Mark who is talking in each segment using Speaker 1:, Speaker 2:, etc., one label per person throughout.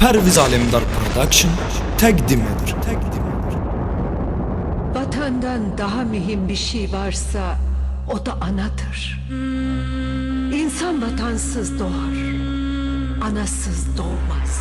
Speaker 1: Perviz Alemdar Production təqdim edir.
Speaker 2: Vatandan daha mühim bir şey varsa o da anadır. İnsan vatansız doğar, anasız doğmaz.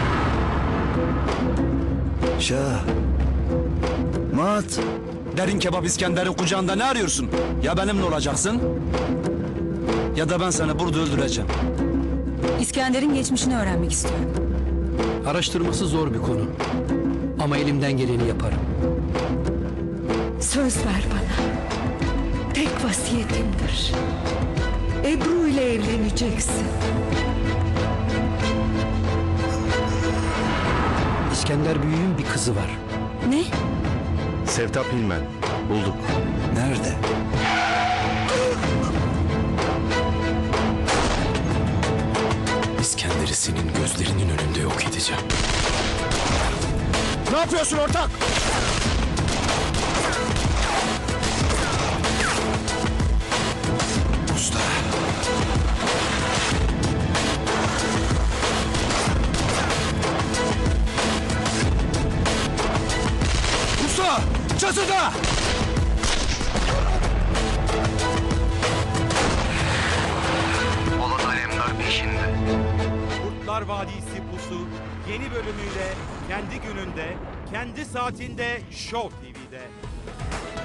Speaker 3: Şah. Mat.
Speaker 4: Derin Kebap İskender'in kucağında ne arıyorsun? Ya benimle olacaksın ya da ben seni burada öldüreceğim.
Speaker 5: İskender'in geçmişini öğrenmek istiyorum.
Speaker 6: Araştırması zor bir konu. Ama elimden geleni yaparım.
Speaker 2: Söz ver bana. Tek vasiyetimdir. Ebru ile evleneceksin.
Speaker 6: İskender Büyük'ün bir kızı var.
Speaker 5: Ne?
Speaker 7: Sevtap Hilmen. Bulduk.
Speaker 3: Nerede?
Speaker 7: İskender'i senin gözlerinin önünde yok edeceğim.
Speaker 4: Ne yapıyorsun ortak?
Speaker 3: Usta.
Speaker 4: Usta! Çatıda!
Speaker 8: Polat Alemdar peşinde.
Speaker 9: Kurtlar Vadisi Pusu yeni bölümüyle kendi gününde, kendi saatinde Show TV'de.